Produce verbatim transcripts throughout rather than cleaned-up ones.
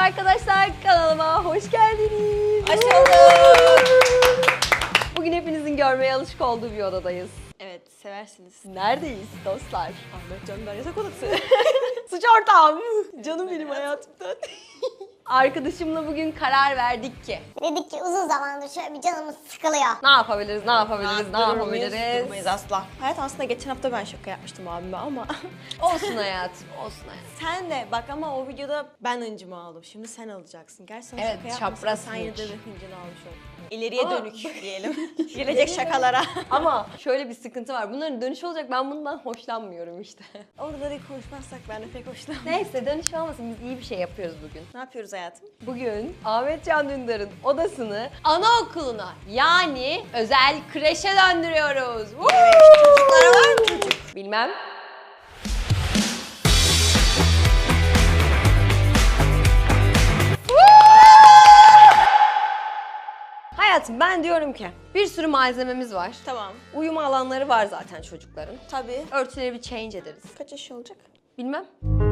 arkadaşlar, kanalıma hoş geldiniz. Hoş bulduk. Bugün hepinizin görmeye alışık olduğu bir odadayız. Evet, seversiniz. Neredeyiz dostlar? Ahmet Can'dan yatak odası. Suç ortağım. Canım benim hayatımdan. Arkadaşımla bugün karar verdik ki Dedik ki uzun zamandır şöyle bir canımız sıkılıyor. ne yapabiliriz, ne yapabiliriz, ne Durur muyuz? yapabiliriz? Durmayız asla. Hayat aslında geçen hafta ben şaka yapmıştım abime ama. Olsun hayatım, olsun hayatım. Sen de bak ama o videoda ben hıncımı aldım. Şimdi sen alacaksın. Gerçi sen Evet, şaka yapmasan çapraz sen yine de hınç. bir hıncını almış oldun. İleriye Ama- dönük diyelim. Gelecek şakalara. Ama şöyle bir sıkıntı var. Bunların dönüşü olacak. Ben bundan hoşlanmıyorum işte. Oraları konuşmazsak ben de pek hoşlanmam. Neyse dönüş olmasın. Biz iyi bir şey yapıyoruz bugün. Ne yapıyoruz hayatım? Bugün Ahmet Can Dündar'ın odasını anaokuluna yani özel kreşe döndürüyoruz. Woo! Çocuklar var mı çocuk? Bilmem. Hayatım ben diyorum ki bir sürü malzememiz var. Tamam. Uyuma alanları var zaten çocukların. Tabii. Örtüleri bir change ederiz. Kaç yaş olacak? Bilmem.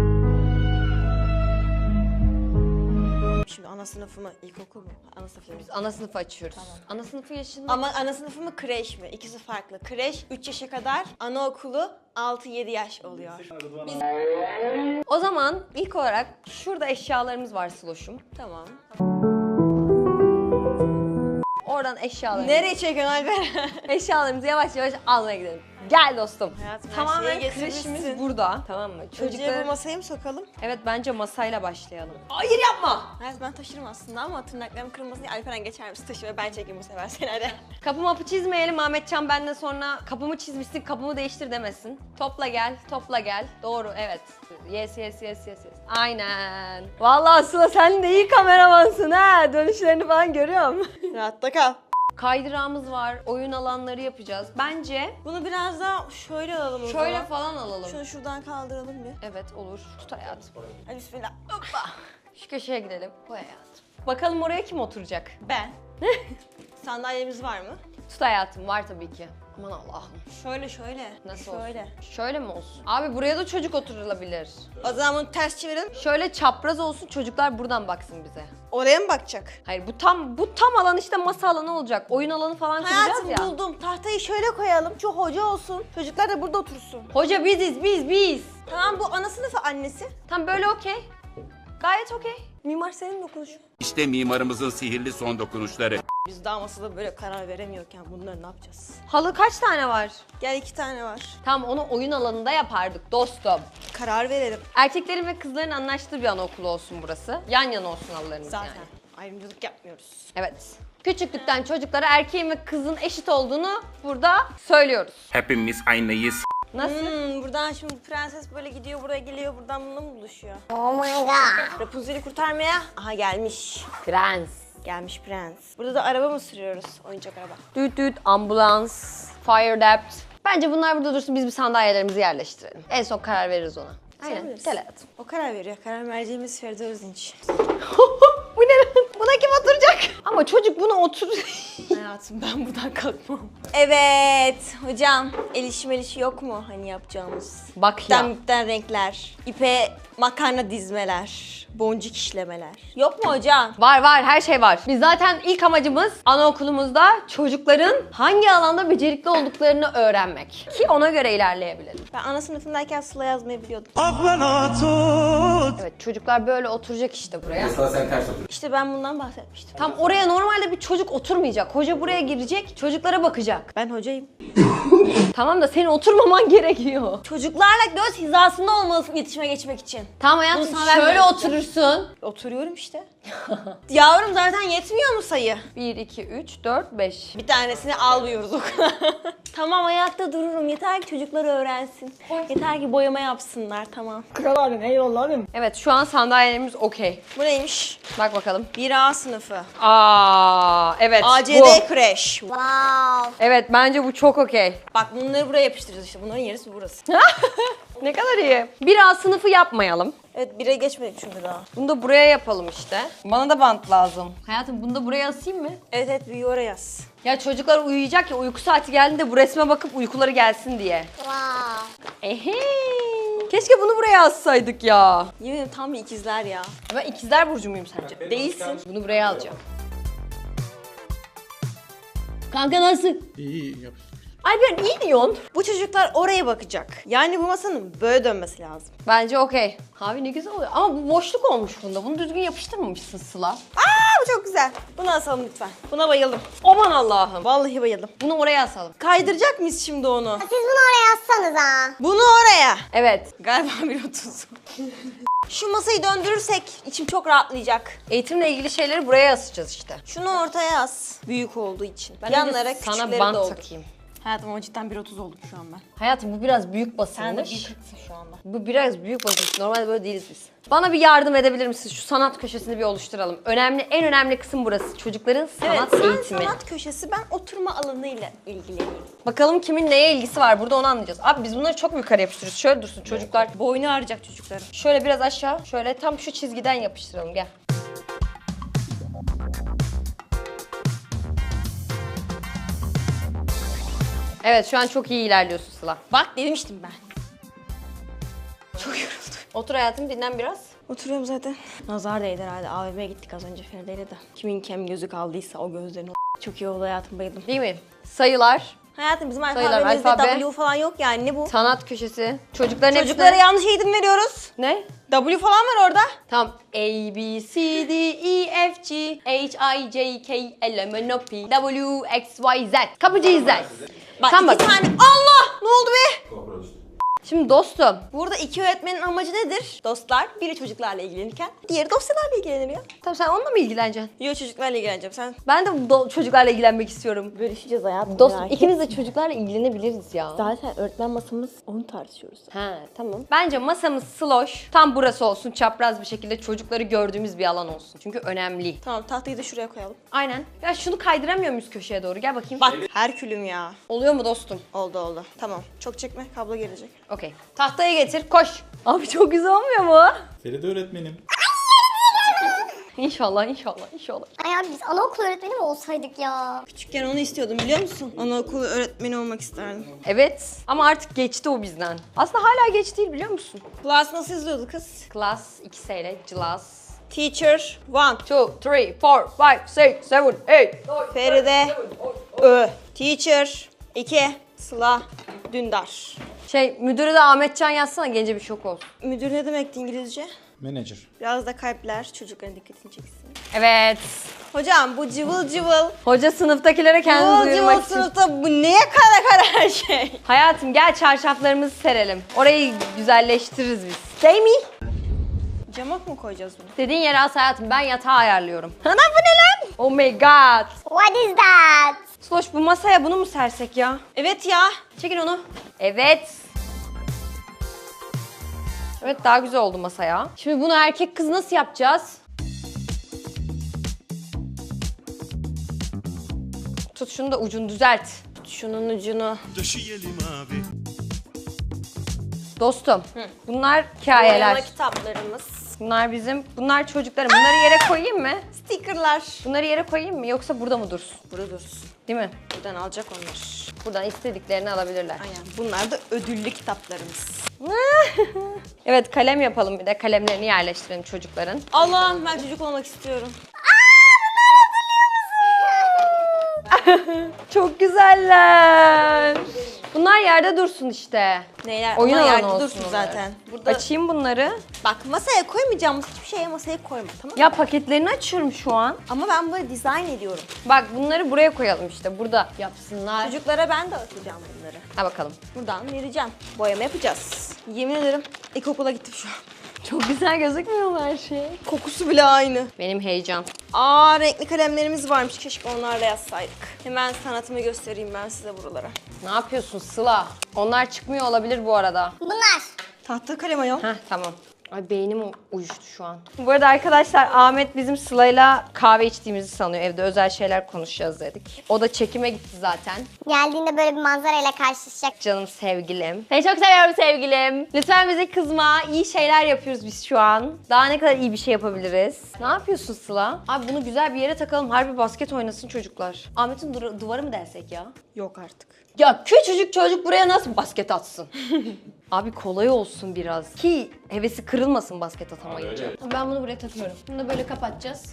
Şimdi ana sınıfı mı, ilkokul mu? Ana sınıfı. Biz ana sınıfı açıyoruz. Ana sınıfı yaşında. Ama ana sınıfı mı kreş mi? İkisi farklı. Kreş üç yaşa kadar, anaokulu altı yedi yaş oluyor. O zaman ilk olarak şurada eşyalarımız var Sloş'um. Tamam. Oradan eşyalarımızı, Nereye çekiyorsun Alper? eşyalarımızı yavaş yavaş almaya gidelim. Gel dostum. Hayatım, her Tamamen şeyi kreşimiz getirmişsin. burada. Tamam mı? Çocuğa bu Çocuklar... masayı mı sokalım? Evet bence masayla başlayalım. Hayır yapma. Hayat ben taşırım aslında ama tırnaklarım kırılmasın diye Alperen geçer misin taşı ve ben çekeyim bu sefer seni hadi. Kapı mapı çizmeyelim. Ahmetcan benden sonra kapımı çizmişsin, kapımı değiştir demesin. Topla gel, topla gel. Doğru, evet. Yes, yes, yes, yes, yes. Aynen. Vallahi Sıla sen de iyi kameramansın ha. Dönüşlerini falan görüyorum. Rahatta kal. Kaydırağımız var, oyun alanları yapacağız. Bence Bunu biraz daha şöyle alalım o şöyle zaman. falan alalım. Şunu şuradan kaldıralım bir. Evet olur. Tut hayatım. Hadi bismillah. Hoppa. Şu köşeye gidelim. Bu hayatım. Bakalım oraya kim oturacak? Ben. Sandalyemiz var mı? Tut hayatım. Var tabii ki. Aman Allah'ım. Şöyle şöyle. Nasıl Şöyle. olsun? Şöyle mi olsun? Abi buraya da çocuk oturulabilir. O zaman bunu ters çevirelim. Şöyle çapraz olsun, çocuklar buradan baksın bize. Oraya mı bakacak? Hayır bu tam bu tam alan işte masa alanı olacak. Oyun alanı falan kuracağız Hayatım ya. buldum. Tahtayı şöyle koyalım. Şu hoca olsun. Çocuklar da burada otursun. Hoca biziz biz biz. Tamam bu ana sınıfı annesi. Tam böyle okey. Gayet okey. Mimar senin dokunuşun. İşte mimarımızın sihirli son dokunuşları. Biz daha masada böyle karar veremiyorken bunları ne yapacağız? Halı kaç tane var? Gel iki tane var. Tam onu oyun alanında yapardık dostum. Karar verelim. Erkeklerin ve kızların anlaştığı bir anaokulu olsun burası. Yan yana olsun halılarımız Zaten yani. ayrımcılık yapmıyoruz. Evet. Küçüklükten çocuklara erkeğin ve kızın eşit olduğunu burada söylüyoruz. Hepimiz aynıyız. Nasıl? Hmm, buradan şimdi prenses böyle gidiyor buraya geliyor buradan bununla mı buluşuyor? Oh my god. Rapunzel'i kurtarmaya. Aha gelmiş. Prens. Gelmiş prens. Burada da araba mı sürüyoruz? Oyuncak araba. Düt düt, ambulans, fire dept. Bence bunlar burada dursun, biz bir sandalyelerimizi yerleştirelim. En son karar veririz ona. Aynen. bilirsin. Gel hayatım. O karar veriyor. Karar merceğimiz Feride Özdinç. Bu ne lan? Buna kim oturacak? Ama çocuk buna otur. Hayatım ben buradan kalkmam. Evet hocam. El işi mel işi yok mu hani yapacağımız? Bak ya. İpten ipten renkler. İpe makarna dizmeler. Boncuk işlemeler. Yok mu hocam? Var var, her şey var. Biz zaten ilk amacımız anaokulumuzda çocukların hangi alanda becerikli olduklarını öğrenmek. Ki ona göre ilerleyebilelim. Ben ana sınıfındayken sıla yazmayı biliyordum. Evet, çocuklar böyle oturacak işte buraya. İşte ben bundan bahsetmiştim. Tam oraya normalde bir çocuk oturmayacak. Hoca buraya girecek, çocuklara bakacak. Ben hocayım. Tamam da senin oturmaman gerekiyor. Çocuklarla göz hizasında olmalısın iletişime geçmek için. Tamam hayatım, Bunu sana şöyle vermiyorum. oturursun. Oturuyorum işte. Yavrum zaten yetmiyor mu sayı? bir, iki, üç, dört, beş. Bir tanesini almıyoruz o kadar. Tamam ayakta dururum. Yeter ki çocuklar öğrensin. Yeter ki boyama yapsınlar tamam. Evet, şu an sandalyelerimiz okey. Bu neymiş? Bak bakalım. bir A sınıfı. Aa, evet. A C bu. D kreş. Wow. Evet, bence bu çok okey. Bak bunları buraya yapıştıracağız işte. Bunların yerisi burası. Ne kadar iyi. Bir A sınıfı yapmayalım. Evet bire geçmedik çünkü daha. Bunu da buraya yapalım işte. Bana da bant lazım. Hayatım bunu da buraya asayım mı? Evet evet büyüğü oraya yaz. Ya çocuklar uyuyacak ya, uyku saati geldiğinde bu resme bakıp uykuları gelsin diye. Wow. Ehe. Keşke bunu buraya assaydık ya. Yemin ederim tam bir ikizler ya. Ben ikizler burcu muyum sence? Değilsin. Bunu buraya alacağım. Kanka nasıl? İyi iyi yap. Alper iyi diyorsun. Bu çocuklar oraya bakacak. Yani bu masanın böyle dönmesi lazım. Bence okey. Abi ne güzel oluyor. Ama bu boşluk olmuş bunda. Bunu düzgün yapıştırmamışsın Sıla. Aa bu çok güzel. Bunu asalım lütfen. Buna bayıldım. Aman Allah'ım. Vallahi bayıldım. Bunu oraya asalım. Kaydıracak mıyız şimdi onu? Siz bunu oraya yazsanız ha. Bunu oraya. Evet. Galiba bir otuz. Şu masayı döndürürsek içim çok rahatlayacak. Eğitimle ilgili şeyleri buraya asacağız işte. Şunu ortaya as. Büyük olduğu için. Ben de Yanlara sana küçükleri bant doldur. takayım. Hayatım ama cidden bir otuz oldum şu an ben. Hayatım bu biraz büyük basılmış. Sen de bir kırksın şu anda. Bu biraz büyük basılmış. Normalde böyle değiliz biz. Bana bir yardım edebilir misiniz? Şu sanat köşesini bir oluşturalım. Önemli, en önemli kısım burası. Çocukların sanat evet, sen eğitimi. sanat köşesi, ben oturma alanıyla ilgileneyim. Bakalım kimin neye ilgisi var? Burada onu anlayacağız. Abi biz bunları çok yukarı yapıştırıyoruz. Şöyle dursun çocuklar. Boynu ağrıyacak çocukların. Şöyle biraz aşağı. Şöyle tam şu çizgiden yapıştıralım. Gel. Evet şu an çok iyi ilerliyorsun Sıla. Bak demiştim ben. Çok yoruldum. Otur hayatım dinlen biraz. Oturuyorum zaten. Nazar değdi herhalde. A V M'ye gittik az önce Feride'yle de. Kimin kem gözü kaldıysa o gözlerin o. Çok iyi oldu hayatım, bayıldım. Değil mi? Sayılar, Hayatım bizim Sayılar, alfabemizde alfabe. W falan yok yani, ne bu? sanat köşesi. Çocukların Çocuklara hepsine... yanlış eğitim veriyoruz. Ne? W falan var orada. Tamam. A, B, C, D, E, F, G, H, I, J, K, L, M, N, O, P, W, X, Y, Z. Kapıcıyız Z. Bak Sen iki bak. tane. Allah! Ne oldu be? Şimdi dostum. Burada iki öğretmenin amacı nedir? Dostlar, biri çocuklarla ilgilenirken diğeri dosyalarla ilgilenir ya. Tamam sen onunla mı ilgileneceksin? Yok, çocuklarla ilgileneceğim. Sen Ben de do- çocuklarla ilgilenmek istiyorum. bölüşeceğiz hayatım. Dostum ikimiz de çocuklarla ilgilenebiliriz ya. Zaten öğretmen masamız, onu tartışıyoruz. Ha tamam. Bence masamız sloş. Tam burası olsun. Çapraz bir şekilde çocukları gördüğümüz bir alan olsun. Çünkü önemli. Tamam, tahtayı da şuraya koyalım. Aynen. Ya şunu kaydıramıyor muyuz köşeye doğru? Gel bakayım. Bak Herkülüm ya. Oluyor mu dostum? Oldu oldu. Tamam. Çok çekme, kablo gelecek. Okey. Tahtayı getir. Koş. Abi çok güzel olmuyor mu? Feride öğretmenim. İnşallah, inşallah, inşallah. Ay abi biz anaokulu öğretmeni mi olsaydık ya? Küçükken onu istiyordum, biliyor musun? Anaokulu öğretmeni olmak isterdim. Evet. Ama artık geçti o bizden. Aslında hala geç değil biliyor musun? Class nasıl yazıyordu kız? Class iki seyle. Class. Teacher one. two, three, four, five, six, seven, eight. Feride Ö. Teacher iki. Sıla Dündar. Şey müdürü de Ahmetcan yazsana gence bir şok olsun. Müdür ne demekti İngilizce? Manager. Biraz da kalpler çocukların dikkatini çeksin. Evet. Hocam bu cıvıl cıvıl. Hoca sınıftakilere kendini Cıvıl duyurmak cıvıl için. sınıfta bu neye kara kara her şey? Hayatım gel çarşaflarımızı serelim. Orayı güzelleştiririz biz. Değil mi? Camak mı koyacağız bunu? Dediğin yere as hayatım. Ben yatağı ayarlıyorum. Ana bu ne lan? Oh my god. What is that? Sloş bu masaya bunu mu sersek ya? Evet ya. Çekin onu. Evet. Evet daha güzel oldu masaya. Şimdi bunu erkek kız nasıl yapacağız? Tut şunu da ucunu düzelt. Şunun ucunu. Döşeyelim abi. Dostum bunlar hikayeler. Boyama kitaplarımız. Bunlar bizim, bunlar çocukların. Bunları yere koyayım mı? Stickerlar. Bunları yere koyayım mı yoksa burada mı dursun? Burada dursun. Değil mi? Buradan alacak onlar. Buradan istediklerini alabilirler. Aynen. Bunlar da ödüllü kitaplarımız. Evet kalem yapalım bir de kalemlerini yerleştirelim çocukların. Allah'ım ben çocuk olmak istiyorum. Çok güzeller. Bunlar yerde dursun işte. Neyler? Oyun Onlar alanı yerde olsun dursun onlar. zaten. Burada Açayım bunları. bak masaya koymayacağımız hiçbir şeye masaya koyma, tamam mı? Ya paketlerini açıyorum şu an. Ama ben böyle dizayn ediyorum. Bak bunları buraya koyalım işte. Burada yapsınlar. Çocuklara ben de atacağım bunları. Ha bakalım. Buradan vereceğim. Boyama yapacağız. Yemin ederim ilkokula gittim şu an. Çok güzel gözükmüyor mu her şey? Kokusu bile aynı. Benim heyecan. Aa, renkli kalemlerimiz varmış. Keşke onlarla yazsaydık. Hemen sanatımı göstereyim ben size buralara. Ne yapıyorsun Sıla? Onlar çıkmıyor olabilir bu arada. Bunlar. Tahta kalem ayol. Heh tamam. Ay beynim uyuştu şu an. Bu arada arkadaşlar Ahmet bizim Sıla'yla kahve içtiğimizi sanıyor. Evde özel şeyler konuşacağız dedik. O da çekime gitti zaten. Geldiğinde böyle bir manzarayla karşılaşacak. Canım sevgilim. Seni çok seviyorum sevgilim. Lütfen bize kızma. İyi şeyler yapıyoruz biz şu an. Daha ne kadar iyi bir şey yapabiliriz? Ne yapıyorsun Sıla? Abi bunu güzel bir yere takalım. Harbi basket oynasın çocuklar. Ahmet'in du- duvarı mı dersek ya? Yok artık. Ya küçücük çocuk buraya nasıl basket atsın? Abi kolay olsun biraz ki hevesi kırılmasın basket atamayınca. Ben bunu buraya takıyorum. Bunu da böyle kapatacağız.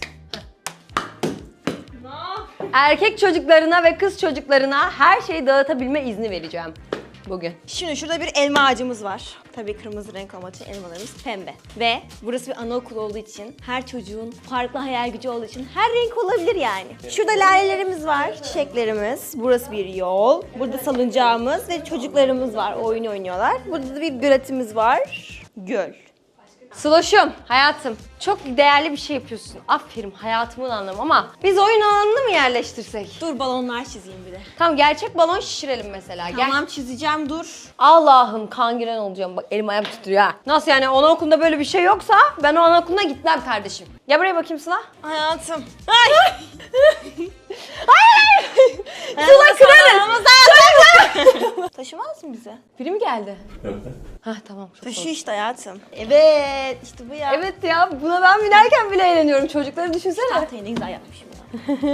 Erkek çocuklarına ve kız çocuklarına her şeyi dağıtabilme izni vereceğim bugün. Şimdi şurada bir elma ağacımız var. Tabii kırmızı renk olmak için elmalarımız pembe. Ve burası bir anaokulu olduğu için, her çocuğun farklı hayal gücü olduğu için her renk olabilir yani. Şurada lalelerimiz var, çiçeklerimiz. Burası bir yol. Burada salıncağımız ve çocuklarımız var, oyun oynuyorlar. Burada da bir göletimiz var. Göl. Sloş'um, hayatım çok değerli bir şey yapıyorsun. Aferin hayatımın anlamı ama biz oyun alanını mı yerleştirsek? Dur balonlar çizeyim bir de. Tamam gerçek balon şişirelim mesela. Gel. Tamam çizeceğim dur. Allah'ım kangren olacağım bak elim ayağım titriyor ha. Nasıl yani anaokulunda böyle bir şey yoksa ben o anaokuluna gitmem kardeşim. Gel buraya bakayım Sıla. Hayatım. Ay. Sıla kırarız. Taşımaz mı bize? Biri mi geldi? Hah tamam. Çok Taşı oldu. işte hayatım. Evet işte bu ya. Evet ya buna ben binerken bile eğleniyorum. Çocukları düşünsene. Tahtayı ne güzel yapmışım ya.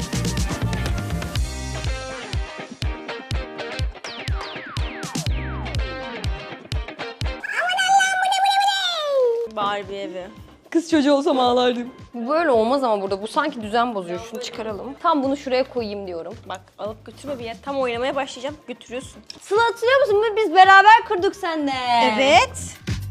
Barbie evi. Kız çocuğu olsam ağlardım. Bu böyle olmaz ama burada. Bu sanki düzen bozuyor. Şunu çıkaralım. Tam bunu şuraya koyayım diyorum. Bak alıp götürme bir yer. Tam oynamaya başlayacağım. Götürüyorsun. Sıla hatırlıyor musun? Biz beraber kırdık seninle. Evet.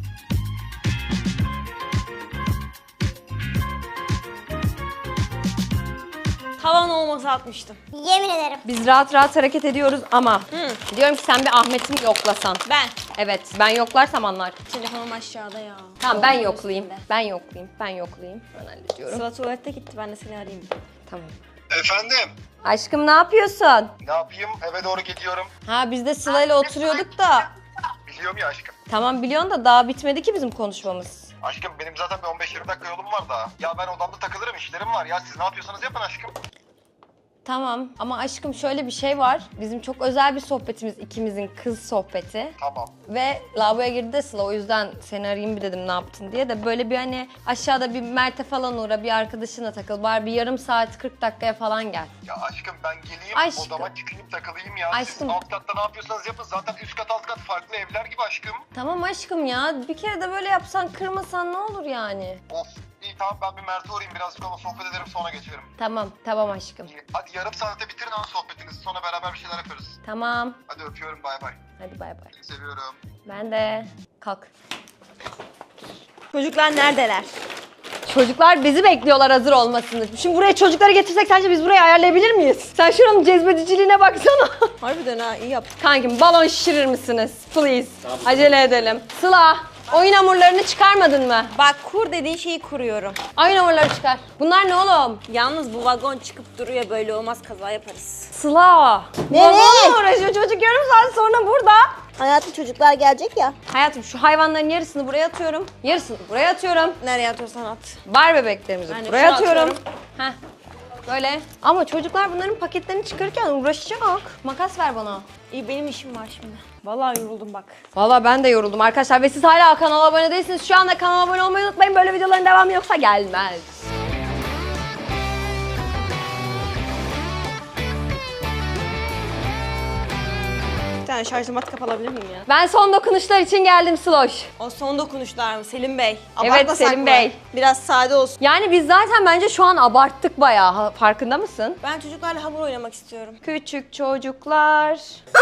Tavan olmasa atmıştım. Yemin ederim. Biz rahat rahat hareket ediyoruz ama diyorum ki sen bir Ahmet'i mi yoklasan? Ben. Evet ben yoklarsam anlar. Telefonum aşağıda ya. Tamam ben Olmaz yoklayayım. üstünde. Ben yoklayayım. Ben yoklayayım. Ben hallediyorum. Sıla tuvalete gitti. Ben de seni arayayım. Tamam. Efendim, Aşkım ne yapıyorsun? ne yapayım? Eve doğru gidiyorum. Ha biz de Sıla ile oturuyorduk da. Biliyorum ya aşkım. Tamam biliyorsun da daha bitmedi ki bizim konuşmamız. Aşkım benim zaten bir on beş yirmi dakika yolum var daha. Ya ben odamda takılırım, işlerim var ya. Siz ne yapıyorsanız yapın aşkım. Tamam ama aşkım şöyle bir şey var. Bizim çok özel bir sohbetimiz ikimizin kız sohbeti. Tamam. Ve lavaboya girdi de Sıla o yüzden seni arayayım bir dedim ne yaptın diye de böyle bir hani aşağıda bir Mert'e falan uğra bir arkadaşına takıl bari bir yarım saat kırk dakikaya falan gel. Ya aşkım ben geleyim, Aşkım. odama çıkayım takılayım ya. Aşkım. Siz alt katta ne yapıyorsanız yapın. Zaten üst kat alt kat farklı evler gibi aşkım. Tamam aşkım ya bir kere de böyle yapsan kırmasan ne olur yani. Of. İyi tamam ben bir Mert'e uğrayayım birazcık ona sohbet ederim sonra geçerim. Tamam tamam aşkım. İyi. Hadi yarım saate bitirin ama sohbetinizi sonra beraber bir şeyler yaparız. Tamam. Hadi öpüyorum bay bay. Hadi bay bay. Seni seviyorum. Ben de. Kalk. Çocuklar neredeler? Çocuklar bizi bekliyorlar hazır olmasını. Şimdi buraya çocukları getirsek sence biz burayı ayarlayabilir miyiz? Sen şuranın cezbediciliğine baksana. Harbiden ha iyi yaptın. Kankim balon şişirir misiniz? Please. Acele edelim. Sıla, oyun hamurlarını çıkarmadın mı? Bak kur dediğin şeyi kuruyorum. Oyun hamurları çıkar. Bunlar ne oğlum? Yalnız bu vagon çıkıp duruyor böyle olmaz kaza yaparız. Sıla. Ne? Balonla uğraşıyor çocuk yarım saat sonra burada. Hayatım çocuklar gelecek ya. Hayatım şu hayvanların yarısını buraya atıyorum. Yarısını buraya atıyorum. Nereye atıyorsan at. Bar bebeklerimizi Ben de buraya şu atıyorum. atıyorum. Heh. Böyle. Ama çocuklar bunların paketlerini çıkarırken uğraşacak. Makas ver bana. İyi benim işim var şimdi. Vallahi yoruldum bak. Valla ben de yoruldum arkadaşlar ve siz hala kanala abone değilsiniz. Şu anda kanala abone olmayı unutmayın. Böyle videoların devamı yoksa gelmez. Bir tane şarj matkap alabilir miyim ya? Ben son dokunuşlar için geldim Sloş. O son dokunuşlar mı Selim Bey? Evet, Abartmasak Selim mı? Bey. Biraz sade olsun. Yani biz zaten bence şu an abarttık bayağı. Ha, farkında mısın? Ben çocuklarla hamur oynamak istiyorum. Küçük çocuklar.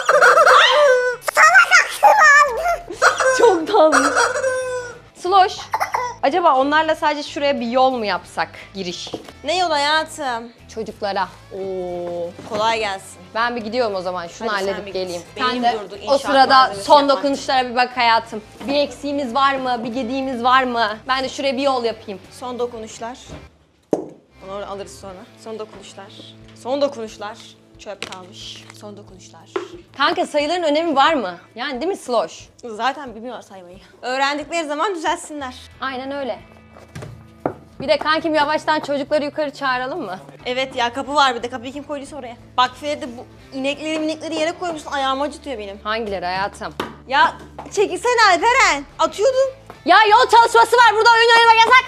Çok tatlı. Sloş. Acaba onlarla sadece şuraya bir yol mu yapsak giriş? Ne yol hayatım? Çocuklara. Oo. Kolay gelsin. Ben bir gidiyorum o zaman. Şunu Hadi sen halledip bir git. geleyim. Beynim Sen de durdu, o inşaat sırada malzemesi son yapmak. dokunuşlara bir bak hayatım. Bir eksiğimiz var mı? Bir gediğimiz var mı? Ben de şuraya bir yol yapayım. Son dokunuşlar. Onu oraya alırız sonra. Son dokunuşlar. Son dokunuşlar. Çöp kalmış. Son dokunuşlar. Kanka sayıların önemi var mı? Yani değil mi Sloş? Zaten bilmiyorlar saymayı. Öğrendikleri zaman düzelsinler. Aynen öyle. Bir de kankim yavaştan çocukları yukarı çağıralım mı? Evet ya kapı var bir de. Kapıyı kim koyduysa oraya. Bak Feride bu inekleri minekleri yere koymuşsun. Ayağımı acıtıyor benim. Hangileri hayatım? Ya çekilsene Alperen. Atıyordun. Ya yol çalışması var burada oyun oynamak yasak.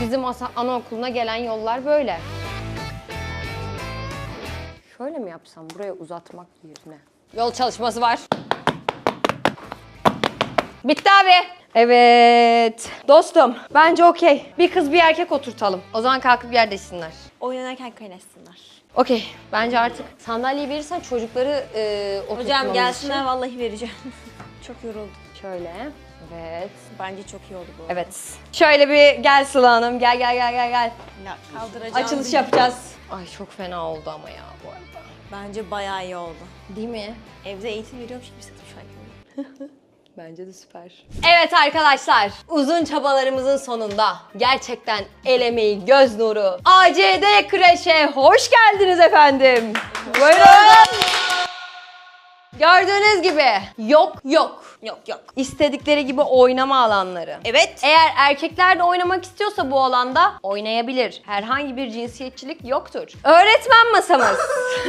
Bizim asa- anaokuluna gelen yollar böyle. Şöyle mi yapsam buraya uzatmak yerine? Yol çalışması var. Bitti abi. Evet. Dostum bence okey. Bir kız bir erkek oturtalım. O zaman kalkıp yer değişsinler. Oynanırken kaynaşsınlar. Okey. Bence artık sandalyeyi verirsen çocukları e, oturtmamız Hocam gelsinler için. vallahi vereceğim. Çok yoruldum. Şöyle. Evet. Bence çok iyi oldu bu. Evet. Şöyle bir gel Sıla Hanım. Gel gel gel gel gel. Ya, kaldıracağım. Açılış yapacağız. Ay çok fena oldu ama ya bu arada. Bence bayağı iyi oldu. Değil mi? Evde eğitim veriyormuş gibi hissettim şu an. Bence de süper. Evet arkadaşlar, uzun çabalarımızın sonunda gerçekten el emeği, göz nuru A C D Kreş'e hoş geldiniz efendim. Buyurun. Gördüğünüz gibi yok yok. Yok yok. İstedikleri gibi oynama alanları. Evet. Eğer erkekler de oynamak istiyorsa bu alanda oynayabilir. Herhangi bir cinsiyetçilik yoktur. Öğretmen masamız.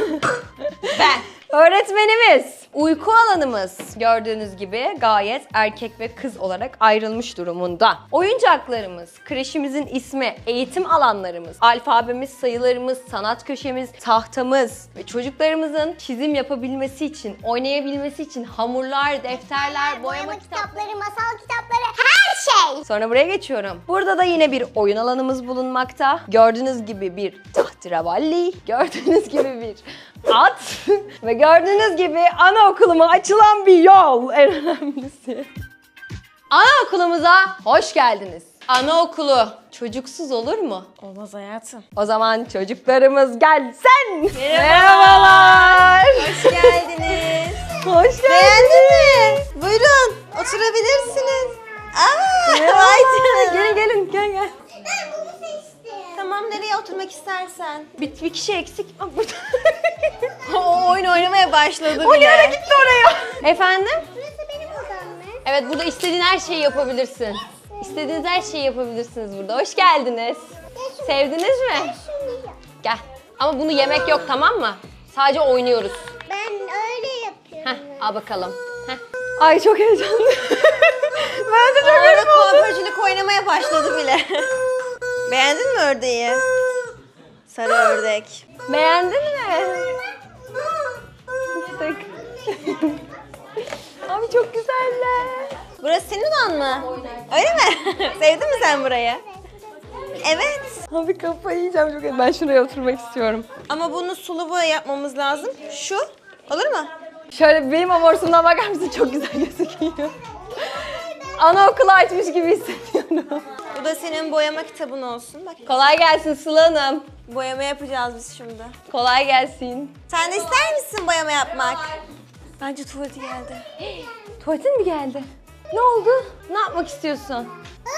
Ben. Öğretmenimiz. Uyku alanımız gördüğünüz gibi gayet erkek ve kız olarak ayrılmış durumunda. Oyuncaklarımız, kreşimizin ismi, eğitim alanlarımız, alfabemiz, sayılarımız, sanat köşemiz, tahtamız ve çocuklarımızın çizim yapabilmesi için, oynayabilmesi için hamurlar, defterler, boyama kitapları. kitapları, masal kitapları, her şey. Sonra buraya geçiyorum. Burada da yine bir oyun alanımız bulunmakta. Gördüğünüz gibi bir tahterevalli, gördüğünüz gibi bir at ve gördüğünüz gibi anaokuluma açılan bir yol en önemlisi. Anaokulumuza hoş geldiniz. Anaokulu çocuksuz olur mu? Olmaz hayatım. O zaman çocuklarımız gelsin. Merhabalar. Hoş geldiniz. Hoş geldiniz. Beğendin mi? Buyurun. Oturabilirsiniz. Aa, vay canına. Gelin gelin gel gel. Ben bunu seçtim. Tamam nereye oturmak istersen. Bir, bir kişi eksik. Aa, burada. O oyun oynamaya başladı O bile. yere gitti oraya. Efendim? Burası benim odam mı? Evet burada istediğin her şeyi yapabilirsin. İstediğiniz her şeyi yapabilirsiniz burada. Hoş geldiniz. Sevdiniz mi? Şunu yap. Gel. Ama bunu yemek yok tamam mı? Sadece oynuyoruz. Ben öyle yapıyorum. Heh, al bakalım. Heh. Ay çok heyecanlı. Ben de çok Orada heyecanlı. kuaförcülük oynamaya başladı bile. Beğendin mi ördeği? Sarı ördek. Beğendin mi? Fıstık. Abi çok güzeller. Burası senin odan mı? Öyle mi? Sevdin mi sen burayı? Evet. Abi kafayı yiyeceğim çok. Ben şuraya oturmak istiyorum. Ama bunu sulu boya yapmamız lazım. Şu. Olur mu? Şöyle benim amorsumdan bakar mısın? Çok güzel gözüküyor. Anaokulu açmış gibi hissediyorum. Bu da senin boyama kitabın olsun. Bak. Kolay gelsin Sıla Hanım. Boyama yapacağız biz şimdi. Kolay gelsin. Sen de ister misin boyama yapmak? Bence tuvaleti geldi. Tuvaletin mi geldi? Ne oldu? Ne yapmak istiyorsun?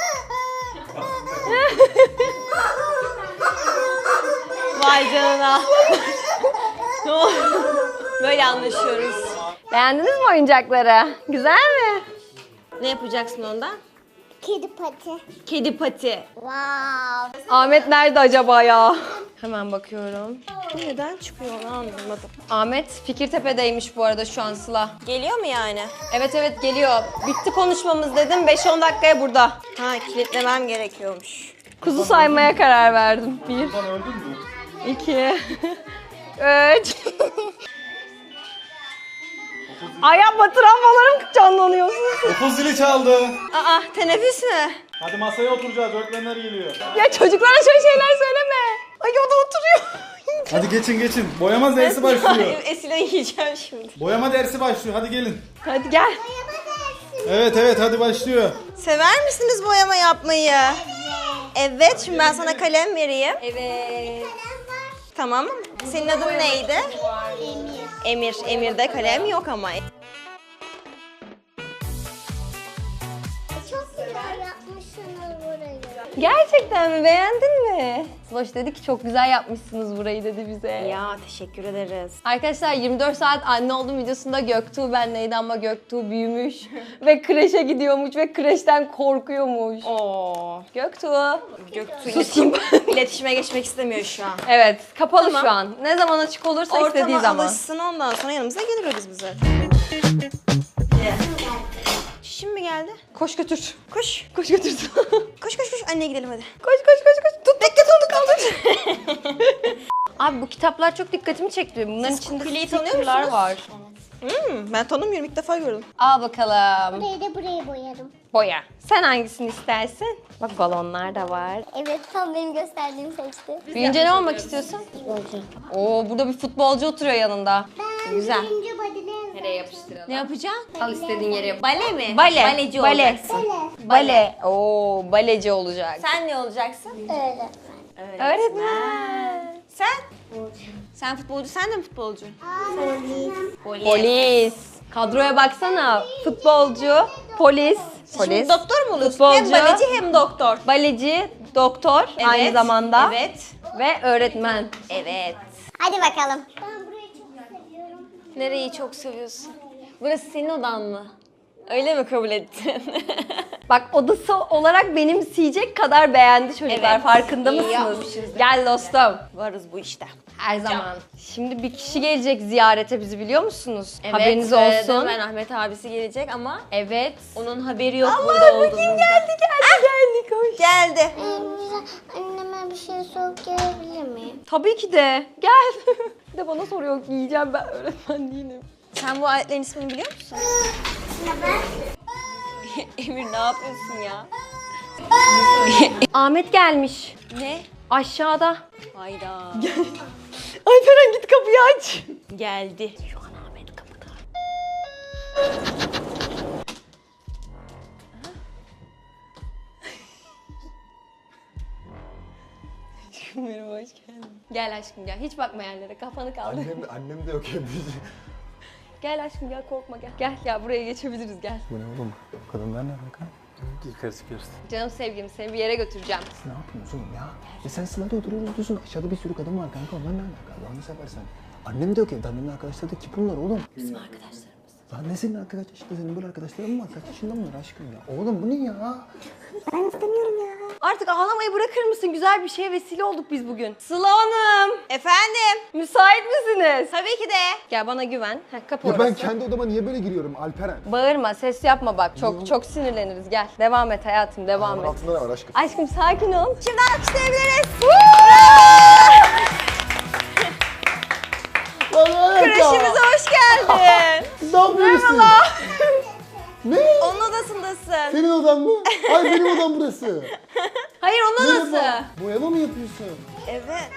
Vay canına. Ne oldu? Böyle anlaşıyoruz. Beğendiniz mi oyuncakları? Güzel mi? Ne yapacaksın ondan? Kedi pati. Kedi pati. Wow. Ahmet nerede acaba ya? Hemen bakıyorum. Bu neden çıkıyor onu anlamadım. Ahmet Fikirtepe'deymiş bu arada şu an Sıla. Geliyor mu yani? Evet evet geliyor. Bitti konuşmamız dedim. beş on dakikaya burada. Ha kilitlemem gerekiyormuş. Kuzu saymaya karar verdim. Bir, Öldün mü? iki, üç. Ay yapma travmalarım canlanıyor. Okul zili çaldı. Aa teneffüs mü? Hadi masaya oturacağız. Öğretmenler geliyor. Ya çocuklara şöyle şeyler söyleme. Ay o da oturuyor. Hadi geçin geçin. Boyama dersi başlıyor. Esile yiyeceğim şimdi. Boyama dersi başlıyor. Hadi gelin. Hadi gel. Evet evet hadi başlıyor. Sever misiniz boyama yapmayı? Evet, şimdi ben sana kalem vereyim. Evet. Tamam mı? Senin adın neydi? Emir. Emir. Emir'de kalem yok ama. Çok güzel yapmışsınız burayı. Gerçekten mi? Beğendin mi? Sloş dedi ki çok güzel yapmışsınız burayı dedi bize. Ya teşekkür ederiz. Arkadaşlar yirmi dört saat anne oldum videosunda Göktuğ benleydi ama Göktuğ büyümüş ve kreşe gidiyormuş ve kreşten korkuyormuş. Oo. Göktuğ. Göktuğ Susayım. iletişime geçmek istemiyor şu an. Evet kapalı Tamam. şu an. Ne zaman açık olursa istediği Ortama zaman. alışsın ondan sonra yanımıza gelir o biz bize. Çişim mi geldi? Koş götür. Koş. Koş götür. Koş koş koş. Anneye gidelim hadi. Koş koş koş koş. Tut bekle onu kaldır. Abi bu kitaplar çok dikkatimi çekti. Bunların Siz içinde Kukule'yi tanıyor stickerlar musunuz? var. Hmm, ben tanımıyorum. İlk defa gördüm. Al bakalım. Burayı da buraya boyarım. Boya. Sen hangisini istersin? Bak balonlar da var. Evet tam benim gösterdiğim seçti. Büyüyünce ne olmak istiyorsun? Oo burada bir futbolcu oturuyor yanında. Ben Güzel. birinci body'den Nereye yapıştıralım? Ne yapacaksın? Al istediğin yere yap. Bale mi? Bale. Baleci Bale. olacaksın. Bale. Oo baleci olacak. Sen ne olacaksın? öyle. Öğretmen. Sen? Sen futbolcu, sen de mi futbolcu? Polis. Polis. Kadroya baksana. Futbolcu, polis. Şimdi doktor mu oluyorsun? Futbolcu. Hem baleci hem doktor. Baleci, doktor aynı Evet, zamanda. Evet. Ve öğretmen. Evet. Hadi bakalım. Ben burayı çok seviyorum. Nereyi çok seviyorsun? Burası senin odan mı? Öyle mi kabul ettin? Bak odası olarak benimseyecek kadar beğendi çocuklar. Evet, Farkında iyi mısınız? yapmışız. Gel dostum. Varız bu işte. Her zaman. Şimdi bir kişi gelecek ziyarete bizi biliyor musunuz? Evet, Haberiniz söyledim olsun. Ben Ahmet abisi gelecek ama Evet. onun haberi yok burada olduğumuzda. Kim geldi geldi geldi koş. Geldi. Anneme bir şey soğuk gelebilir miyim? Tabii ki de. Gel. Bir de bana soruyor yiyeceğim ben öğretmen değilim. Sen bu aletlerin ismini biliyor musun? Emir ne yapıyorsun ya? Ahmet gelmiş. Ne? Aşağıda. Hayda. Alperen git kapıyı aç. Geldi. Şu an Ahmet kapıda. Aşkım merhaba hoş geldin. Gel aşkım gel. Hiç bakma yerlere. Kafanı kaldır. Annem, annem de yok evde. Gel aşkım gel korkma gel. Gel ya buraya geçebiliriz gel. Bu ne oğlum? Kadınlar ne alaka? Yukarı çıkıyoruz. Canım sevgilim seni bir yere götüreceğim. Siz ne yapıyorsun ya? E sen sılada oturuyoruz diyorsun. Aşağıda bir sürü kadın var kanka. Onlar ne alaka? Allah'ını seversen. Annem de yok evde. Annemin arkadaşları da kim bunlar oğlum? Bizim arkadaşlarımız. Lan ne senin arkadaş işte senin böyle arkadaşların mı var? Kaç yaşında bunlar aşkım ya? Oğlum bu ne ya? Artık ağlamayı bırakır mısın? Güzel bir şeye vesile olduk biz bugün. Sıla Hanım. Efendim? Müsait misiniz? Tabii ki de. Gel bana güven. Heh, kapı Ya orası. ben kendi odama niye böyle giriyorum Alperen? Bağırma, ses yapma bak. Çok çok sinirleniriz. Gel. Devam et hayatım, devam Bunun et. altında ne var aşkım? Aşkım sakin ol. Şimdi alkışlayabiliriz. Kreşimize hoş geldin. Ne yapıyorsun? Ne? Onun odasındasın. Senin odan mı? Hayır benim odam burası. Hayır onun odası. Merhaba. Boyama mı yapıyorsun? Evet.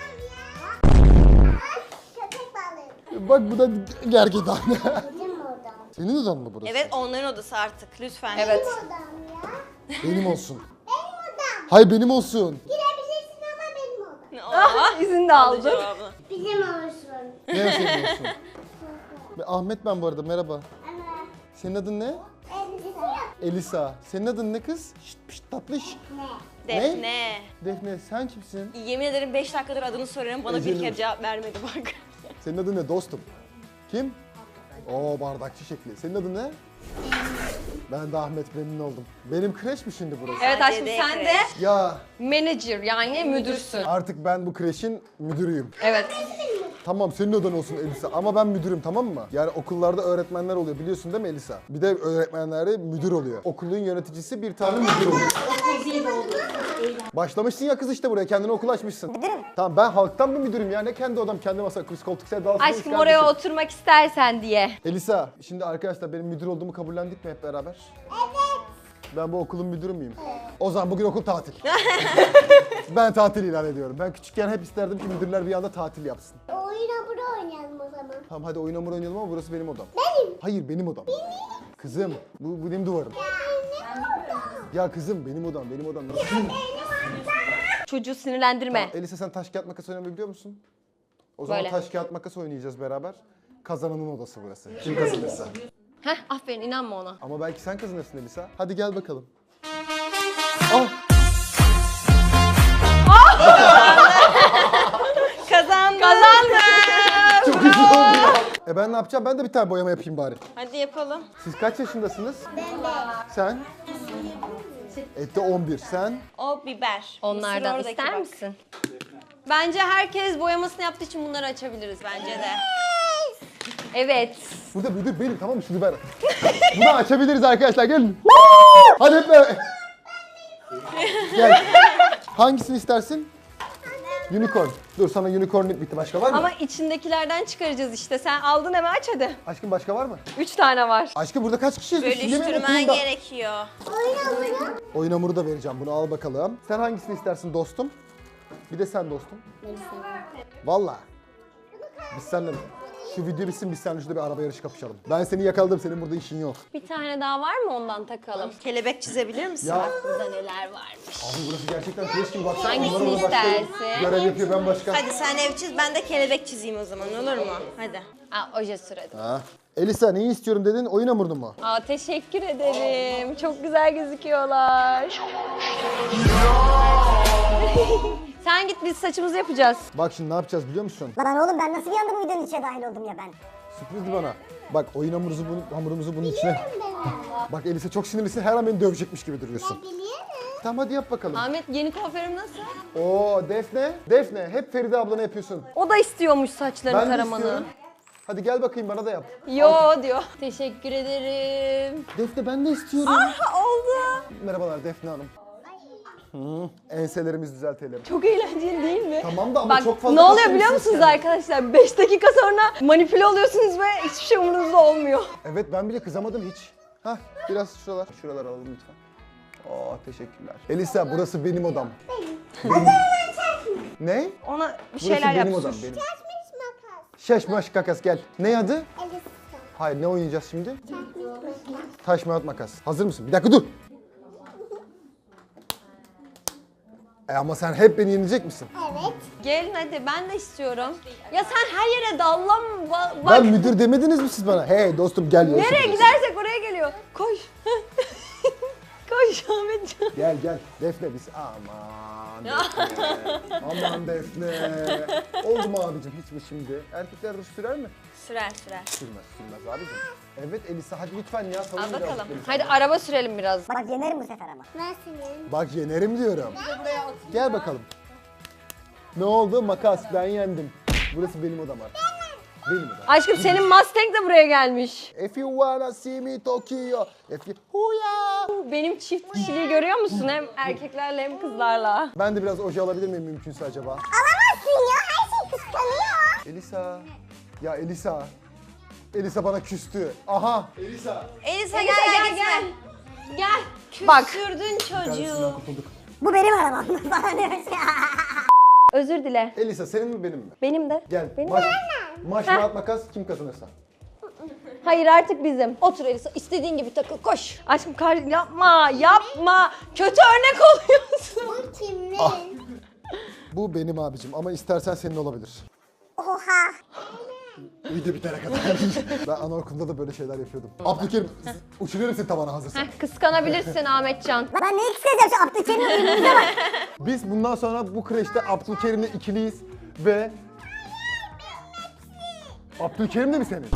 Köpek balığı. Bak bu da gergedan. Bizim odam. Senin odan mı burası? Evet onların odası artık lütfen. Evet. Odam ya. Benim olsun. Benim odam. Hayır benim olsun. Girebilirsin ama benim odam. Ah, izin de aldım. Cevabını. Bizim olsun. Ne senin olsun? Ve Ahmet ben bu arada merhaba. Ama Senin adın ne? elbise Elisa. Senin adın ne kız? Şşt pişt tatlış. ne? Defne. Defne sen kimsin? Yemin ederim beş dakikadır adını soruyorum bana bir Ezelim. kere cevap vermedi bak. Senin adın ne dostum? Kim? Oo bardakçı şekli. Senin adın ne? Ben de Ahmet memnun oldum. Benim kreş mi şimdi burası? Evet aşkım Acele sen de kreş. Ya manager yani müdürsün. artık ben bu kreşin müdürüyüm. Evet. Tamam senin odan olsun Elisa ama ben müdürüm tamam mı? Yani okullarda öğretmenler oluyor biliyorsun değil mi Elisa? Bir de öğretmenlerde müdür oluyor. Okulun yöneticisi bir tane müdür oluyor. Başlamışsın ya kız işte buraya kendine okul açmışsın. Tamam ben halktan bir müdürüm ya ne kendi odam kendi masa kız koltuk sen dalsın. Aşkım oraya oturmak istersen diye. Elisa şimdi arkadaşlar benim müdür olduğumu kabullendik mi hep beraber? Evet. Ben bu okulun müdürü müyüm? O zaman bugün okul tatil. Ben tatil ilan ediyorum. Ben küçükken hep isterdim ki müdürler bir anda tatil yapsın. Oyun hamuru oynayalım o zaman. Tamam hadi oyun hamuru oynayalım ama burası benim odam. Benim. Hayır benim odam. Kızım bu, bu benim duvarım. Benim odam. Ya kızım benim odam benim odam. Çocuğu sinirlendirme. Elisa sen taş kağıt makas oynamayı biliyor musun? O zaman Böyle. taş kağıt makas oynayacağız beraber. Kazananın odası burası. Kim kazanırsa. Heh aferin inanma ona. Ama belki sen kazanırsın Elisa. Hadi gel bakalım. Ah! Kazandım. Kazandım. Çok güzel oldu ya. E ben ne yapacağım? Ben de bir tane boyama yapayım bari. Hadi yapalım. Siz kaç yaşındasınız? Sen? Ette on bir. Sen? O biber. Onlardan Mısır ister oradaki bak. misin? Bence herkes boyamasını yaptığı için bunları açabiliriz bence de. Evet. Burada müdür benim, tamam mı? Şunu ver. Bunu açabiliriz arkadaşlar, gelin. Hadi hep beraber. Gel. Hangisini istersin? Unicorn. Dur, sana unicorn bitti. Başka var mı? Ama içindekilerden çıkaracağız işte. Sen aldın hemen aç hadi. Aşkım başka var mı? Üç tane var. Aşkım burada kaç kişiyiz? Biz şimdi mi Bölüştürmen okulda? gerekiyor. Oyun hamuru da vereceğim. Bunu al bakalım. Sen hangisini istersin dostum? Bir de sen dostum. Valla. Biz seninle şu video bitsin, biz seninle şurada bir araba yarışı kapışalım. Ben seni yakaladım, senin burada işin yok. Bir tane daha var mı ondan takalım? Kelebek çizebilir misin? Ya Burada neler varmış. abi burası gerçekten kreş gibi, baksana. Hangisini Bunlar orada başka istersin? görev yapıyor, ben başka. Hadi sen ev çiz, ben de kelebek çizeyim o zaman, olur mu? Hadi. Aa, oje süredim. Ha. Elisa neyi istiyorum dedin? Oyun hamurunu mu? Aa, teşekkür ederim. Çok güzel gözüküyorlar. Sen git, biz saçımızı yapacağız. Bak şimdi ne yapacağız biliyor musun? Lan oğlum ben nasıl bir anda bu videonun içine dahil oldum ya ben? Sürprizdi bana. Bak oyun hamurumuzu, bunu, hamurumuzu bunun içine. Bak Elisa çok sinirlisin, her an beni dövecekmiş gibi duruyorsun. Tamam hadi yap bakalım. Ahmet, yeni kuaförüm nasıl? Oo Defne, Defne hep Feride ablana yapıyorsun. O da istiyormuş saçlarını Ben de taramanı. istiyorum. Hadi gel bakayım bana da yap. Yo diyor. Teşekkür ederim. Defne ben de istiyorum. Oldu. Merhabalar Defne Hanım. Hı, enselerimizi düzeltelim. Çok eğlenceli değil mi? Tamam da ama Bak çok fazla ne oluyor kasılmışsınız biliyor musunuz yani. arkadaşlar? beş dakika sonra manipüle oluyorsunuz ve hiçbir şey umurunuzda olmuyor. Evet ben bile kızamadım hiç. Hah biraz şuralar, şuralar alalım lütfen. Oo teşekkürler. Elisa burası benim odam. Benim. Ne? Ona bir Burası şeyler benim yap. odam sus. benim. Makas. Şaş maş kakas gel. Ne adı? Elisa. Hayır ne oynayacağız şimdi? Taş mağat makas. Hazır mısın? Bir dakika dur. E ama sen hep beni yenecek misin? Evet. Gelin hadi, ben de istiyorum. Ya sen her yere dallan. Bak. Ben müdür demediniz mi siz bana? Hey dostum gel. yarışa Nereye gidiyoruz. gidersek oraya geliyor. Koş. Koş Ahmetcan. Gel gel. Defne biz. Aman Defne. Aman Defne. Oldu mu abicim hiç mi şimdi? Erkekler ruj sürer mi? Sürer sürer. Sürmez sürmez abicim. Evet Elisa hadi lütfen ya. Savun Al birazcık bakalım. Elisa. Hadi araba sürelim biraz. Bak yenerim bu sefer ama. Ben senin. Bak yenerim diyorum. Gel bakalım. Ne oldu? Makas ben yendim. Burası benim odam artık. Benim odam. Aşkım senin Mustang de buraya gelmiş. If you wanna see me Tokyo. If you... Huya. Benim çift kişiliği görüyor musun? Hem erkeklerle hem kızlarla. Ben de biraz oje alabilir miyim mümkünse acaba? Alamazsın ya. Her şey kıskanıyor. Elisa. Ya Elisa. Elisa bana küstü. Aha. Elisa. Elisa gel gel gel. Gel. Bak. Küstürdün çocuğu. Kardeşimden kurtulduk. Bu benim arabam. Bana demiş ya. Özür dile. Elisa senin mi benim mi? Benim de. Gel. Benim Maç, de. maç mağat makas kim kazanırsa. Hayır artık bizim. Otur Elisa, istediğin gibi takıl, koş. Aşkım kar yapma, yapma. Kötü örnek oluyorsun. Bu kimin? Ah. Bu benim abicim ama istersen senin olabilir. Oha. Video bitene kadar. Ben anaokulunda da böyle şeyler yapıyordum. Abdülkerim uçuruyorum seni tavana hazırsan. Heh, kıskanabilirsin Ahmetcan. Ben neyi kıskanacağım şu Abdülkerim'in birbirimize bak. Biz bundan sonra bu kreşte Abdülkerim'le ikiliyiz ve... Abdülkerim de mi senin?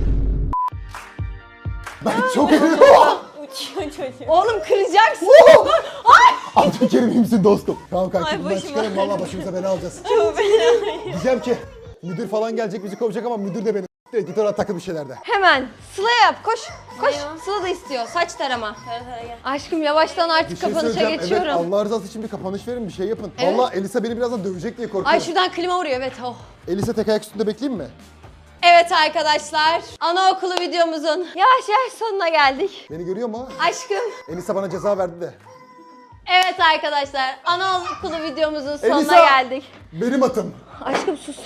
Ben çok Uçuyor çocuk. Oğlum kıracaksın. Abdülkerim iyi misin dostum? Tamam kanka Ay, bundan başıma. çıkarım valla başımıza bela alacağız. Diyeceğim ki müdür falan gelecek bizi kovacak ama müdür de benim. Editör takıl bir şeylerde. Hemen Sıla yap, koş. Koş. Sıla da istiyor, saç tarama. Tara tara gel. Aşkım yavaştan Bir artık şey kapanışa söyleyeceğim. geçiyorum. Evet Allah rızası için bir kapanış verin bir şey yapın. Evet. Valla Elisa beni birazdan dövecek diye korkuyorum. Ay şuradan klima vuruyor, evet. Oh. Elisa tek ayak üstünde bekleyeyim mi? Evet arkadaşlar, anaokulu videomuzun yavaş yavaş sonuna geldik. Beni görüyor mu? Aşkım. Elisa bana ceza verdi de. Evet arkadaşlar, anaokulu videomuzun sonuna Elisa! geldik. Benim atım. Aşkım sus.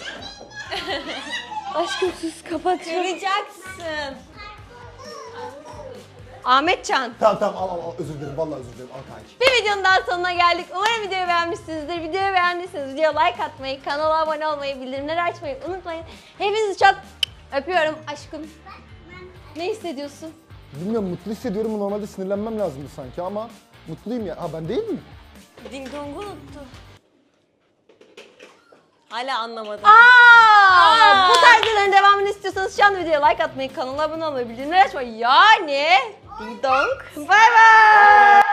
Aşkım sus, kapatıyorum. Kıracaksın. Ahmetcan. Tamam tamam al al al özür dilerim vallahi özür dilerim al kanki. Bir videonun daha sonuna geldik. Umarım videoyu beğenmişsinizdir. Videoyu beğendiyseniz videoya like atmayı, kanala abone olmayı, bildirimleri açmayı unutmayın. Hepinizi çok öpüyorum aşkım. Ne hissediyorsun? Bilmiyorum mutlu hissediyorum normalde sinirlenmem lazımdı sanki ama mutluyum ya. Ha ben değil mi? Ding dong'u unuttu. Hala anlamadım. Aa, bu tarz videoların devamını istiyorsanız şu anda videoya like atmayı, kanala abone olmayı, bildirimleri açmayı yani ding dong. Bye bye.